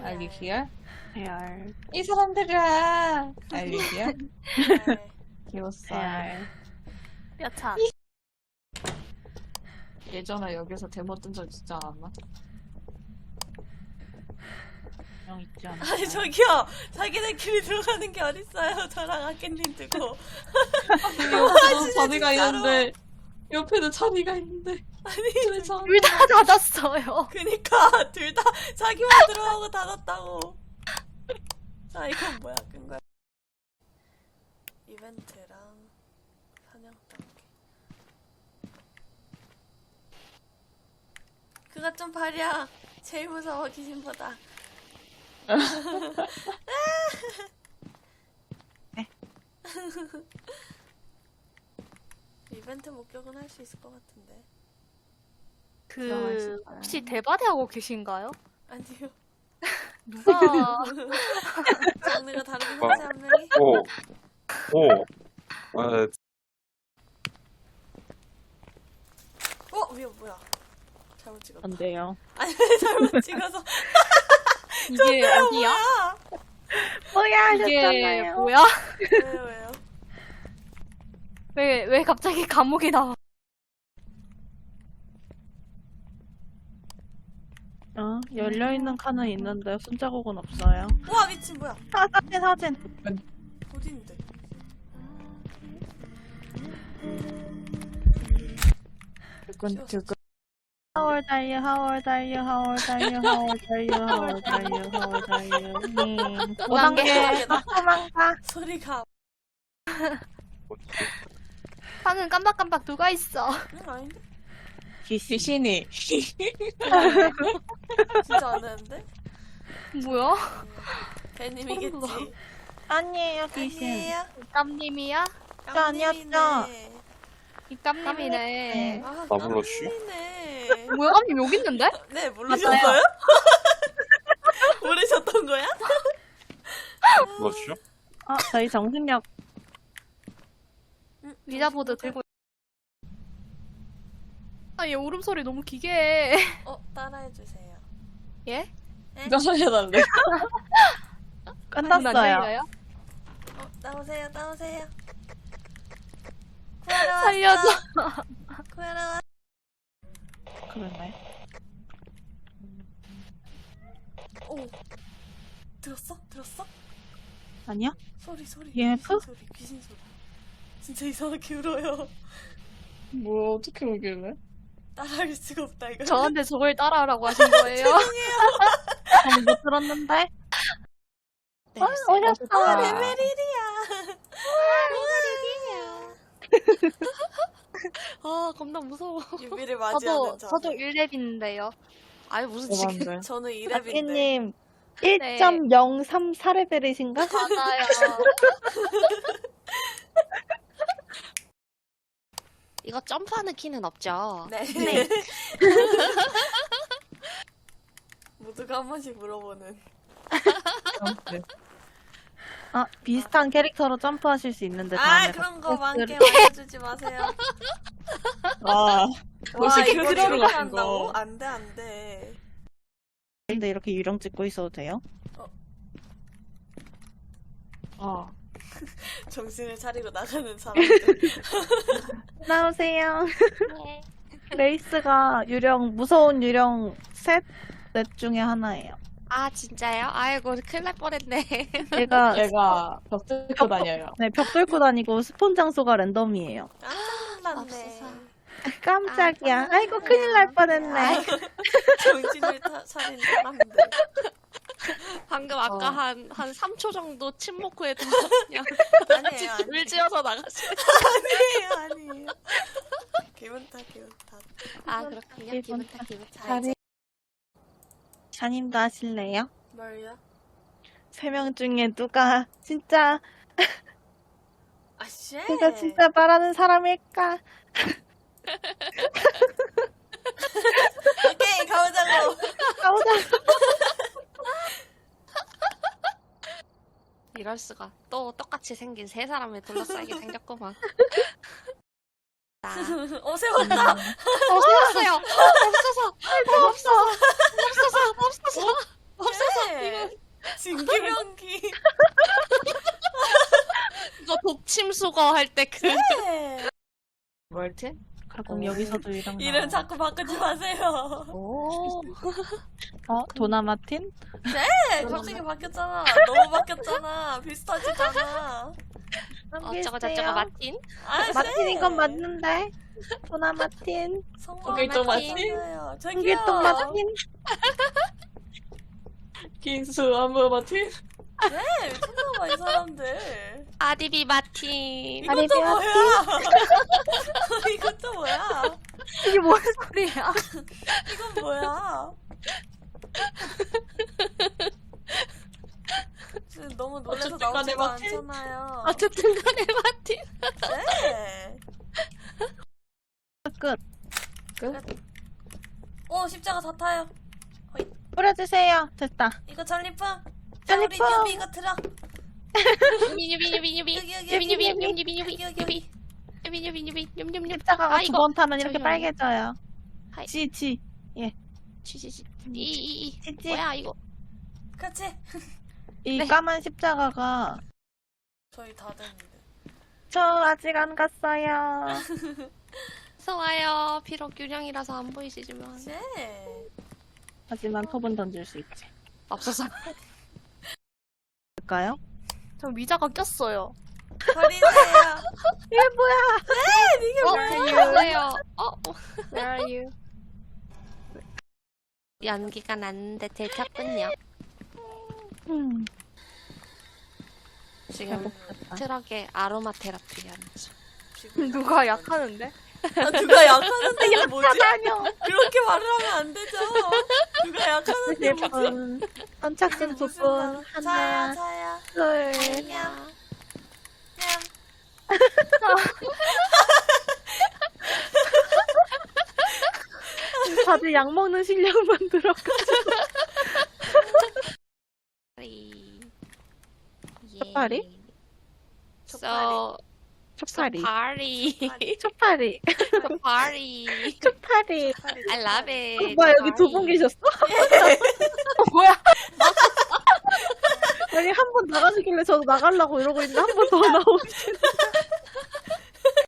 알리히얼? AR. 이 사람들아! 알리히얼? 네. 귀여웠어. AR. 뼈차. 예전에 여기서 데모 뜬 적 있지 않았나? 명 있지 않아? 아니 저기요. 자기네끼리 들어가는 게 어딨어요. 저랑 아깨님 두고. 옆에도 자리가 있는데 옆에도 자리가 있는데 아니 저 둘 다 닫았어요. 그니까 둘 다 자기만 들어가고 닫았다고. 자 이건 뭐야 끈 거야. 이벤트랑 사냥 단계. 그것 좀 봐랴. 제일 무서워 귀신보다. 이벤트 목격은 할 수 있을 것 같은데. 그 혹시 대바대 하고 계신가요? 아니요. 누가 장르가 다르긴 하지 한 명이. 오. 아, 위에 뭐야? 잘못 찍었다. 안 돼요. 아니 잘못 찍어서. 이게 어디야? 뭐야 이게 하셨잖아요. 뭐야? 왜요? 왜 갑자기 감옥이 나와? 열려있는 칸은 있는데 손자국은 없어요. 우와 미친 뭐야? 사진. 어딘데? 두근두근. How old are you? How old are you? How old are you? How old are you? How old are you? How old are you? 5단계 도망가. 소리가. 뭐지? 방은 깜박깜박 누가 있어? 아닌데? 귀신이 진짜 안 하는데? 뭐야? 배님이겠지. 아니에요 귀신. 아니에요? 땀님이야? 아니었죠. 이땀님이네. 아, 나 불렀슈? 깜짝이네. 뭐야? 땀님 여기 있는데? 네, 모르셨어요? 모르셨던 거야? 불렀슈? 저희 정신력 리자보드 들고. 얘 울음소리 너무 기게 해. 따라해주세요. 예? 나서해달래. 끝났어요. 나오세요. 살려줘. 구하러 왔. 그러네. 오. 들었어? 아니요? 소리. EMF? 귀신 소리. 진짜 이상하게 울어요. 뭐야 어떻게 오길래? 따라할 수가 없다 이거. 저한테 저걸 따라하라고 하신 거예요? 저는 못 들었는데. 네, 오셨어. 레벨일이야. 아 겁나 무서워. 유비를 맞이하는 저도 1렙인데요. 아니 무슨 지금 대박인데. 저는 2렙인데. 아끼님 네. 1.034레벨이신가? 맞아요. 이거 점프하는 키는 없죠? 네. 모두가 한 번씩 물어보는. 비슷한 캐릭터로 점프하실 수 있는데 다음에 그런 거 많게 팟캐스트를- 말해주지 마세요. 와 와 이거 이거 그대로 저렇게 가는 한다고? 거. 안돼. 근데 이렇게 유령 찍고 있어도 돼요? 정신을 차리고 나가는 사람들. 나오세요. 네. 레이스가 무서운 유령 넷 중에 하나예요. 아 진짜요? 아이고 큰일 날 뻔했네. 얘가 얘가 벽 뚫고 다녀요. 벽 뚫고 다니고 스폰 장소가 랜덤이에요. 맞네. 없어서. 깜짝이야. 아이고 큰일 날 뻔했네. 정신을 차린 사람들. 방금 아까 한 3초 정도 침묵 후에 그냥 아니에요. 울 지어서 나갔어요. 아니에요. 기분 탓. 아 그렇군요. 기분 탓. 자 이제 자님도 하실래요? 뭘요? 3명 중에 누가 진짜 쉣. 누가 진짜 말하는 사람일까? 오케이 가보자고. 가보자. 이럴 수가. 또 똑같이 생긴 세 사람에 둘러싸이게 생겼구만. 세웠다. 세웠어요. 없어서. 네. 진기명기. 이거 독침 수거 할 때 그. 네. 뭐였지? 그럼 여기서도 이런 이름 자꾸 바꾸지 마세요. 오. 도나마틴? 네, 갑자기 바뀌었잖아. 너무 바뀌었잖아. 비슷하지잖아. 어쩌고 저쩌고 마틴? 아, 마틴인 건 맞는데. 도나마틴. 고길동 마틴? 홍길동 마틴. 긴수 안무 마틴? 네, 미쳤나봐 이 사람들. 아디비 마틴. 이것도 아리비아 뭐야? 이것도 뭐야? 이게 뭔 소리야? 이건 뭐야? 지금 너무 놀라서 어쨌든 간에 나오지가 마틴? 않잖아요. 어쨌든 간에 마틴. 네. 끝. 오, 십자가 다 타요. 뿌려주세요. 됐다. 이거 전리품. 자, 우리 전리품. 뉴비 이거 들어. 유비 유비 유비 유비 여기, 여기, 유비 유비 여기, 유비 유비 여기, 유비 유비 유비 유비 유비 유비 유비 십자가가 아, 두 이거. 번 타면 이렇게 잠시만요. 빨개져요. 하이. 지. 지지지 이이이 지지. 뭐야 이거 그렇지. 이 네. 까만 십자가가 저희 다 됐는데. 저 아직 안 갔어요. 어서 와요. 비록 유령이라서 안 보이시지만 네. 하지만 톱은 던질 수 있지. 없어서 될까요? 저 위자가 꼈어요. 버리세요. 이게 뭐야? 이게 안녕하세요. Where are you? 연기가 났는데 들켰군요. 지금 해복했다. 트럭에 아로마 테라피 하는 중. 누가 약하는데? 아, 누가 약하는데 이게 뭐지? 다녀. 그렇게 말을 하면 안 되죠. 누가 약하는데 뭐지? 분, 선착순 두 분, 하나, 차야. 둘. 냠. 다들 약 먹는 실력만 들어가. 파리. 초파리? So 초파리. 파리. 초파리. 파리. 초파리. I love it. 뭐야, 여기 두 분 계셨어? 뭐야? 아니, 한 번 나가시길래 저도 나가려고 이러고 있는데 한 번 더 나오시네.